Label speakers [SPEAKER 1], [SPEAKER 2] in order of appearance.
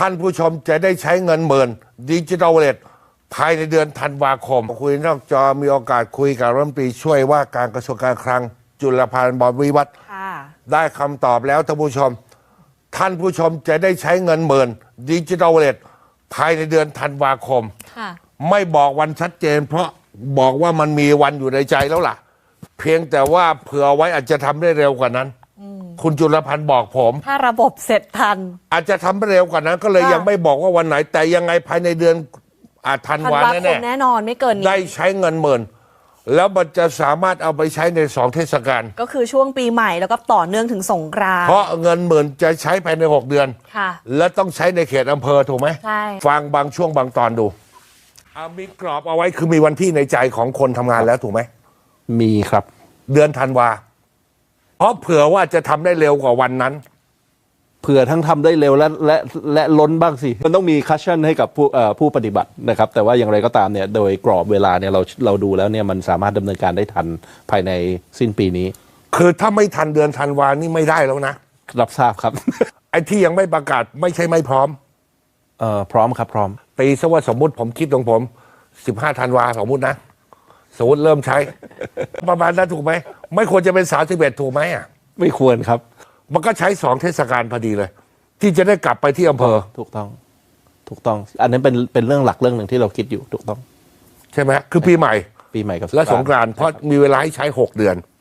[SPEAKER 1] ท่านผู้ชมจะได้ใช้เงินหมื่นดิจิทัลวอลเล็ตภายในเดือนธันวาคมคุยนอกจอมีโอกาสคุยกับรัฐมนตรีช่วยว่าการกระทรวงการคลังจุลพันธ์บรรวิวัฒน์ได้คำตอบแล้วท่านผู้ชมจะได้ใช้เงินหมื่นดิจิทัลวอลเล็ตภายในเดือนธันวาคมไม่บอกวันชัดเจนเพราะบอกว่ามันมีวันอยู่ในใจแล้วล่ะเพียงแต่ว่าเผื่อไว้อาจจะทำได้เร็วกว่านั้นคุณจุลพันธ์บอกผม
[SPEAKER 2] ถ้าระบบเสร็จทัน
[SPEAKER 1] อาจจะทำได้เร็วกว่านั้นก็เลยยังไม่บอกว่าวันไหนแต่ยังไงภายในเดือนธันวาคม
[SPEAKER 2] แน่นอนไม่เกินนี้
[SPEAKER 1] ได้ใช้เงินหมื่นแล้วมันจะสามารถเอาไปใช้ใน2 เทศกาล
[SPEAKER 2] ก็คือช่วงปีใหม่แล้วก็ต่อเนื่องถึงสงกรานต์
[SPEAKER 1] เพราะเงินหมื่นจะใช้ภายใน6 เดือนและต้องใช้ในเขตอำเภอถูกไหม
[SPEAKER 2] ใช่
[SPEAKER 1] ฟังบางช่วงบางตอนดูมีกรอบเอาไว้คือมีวันที่ในใจของคนทำงานแล้วถูกไหม
[SPEAKER 3] มีครับ
[SPEAKER 1] เดือนธันวาเพราะเผื่อว่าจะทำได้เร็วกว่าวันนั้น
[SPEAKER 3] เผื่อทั้งทำได้เร็วและล้นบ้างสิมันต้องมีคัชชั่นให้กับผู้ปฏิบัตินะครับแต่ว่าอย่างไรก็ตามเนี่ยโดยกรอบเวลาเนี่ยเราดูแล้วเนี่ยมันสามารถดำเนินการได้ทันภายในสิ้นปีนี้
[SPEAKER 1] คือถ้าไม่ทันเดือนธันวานี่ไม่ได้แล้วนะ
[SPEAKER 3] รับทราบครับ
[SPEAKER 1] ไอ้ที่ยังไม่ประกาศไม่ใช่ไม่พร้อม
[SPEAKER 3] พร้อมครับพร้อม
[SPEAKER 1] ตีซะว่าสมมุติผมคิดของผม15 ธันวาสมมุตินะสมมติเริ่มใช้ ประมาณนั้นถูกไหมไม่ควรจะเป็น31ถูกไหมอ่ะ
[SPEAKER 3] ไม่ควรครับ
[SPEAKER 1] มันก็ใช้2 เทศกาลพอดีเลยที่จะได้กลับไปที่อำเภอ
[SPEAKER 3] ถูกต้องอันนั้นเป็นเรื่องหลักเรื่องหนึ่งที่เราคิดอยู่ถูกต้อง
[SPEAKER 1] ใช่ไหมคือปีใหม่
[SPEAKER 3] กับ
[SPEAKER 1] และสงกรานต์เพราะมีเวลาให้ใช้6 เดือน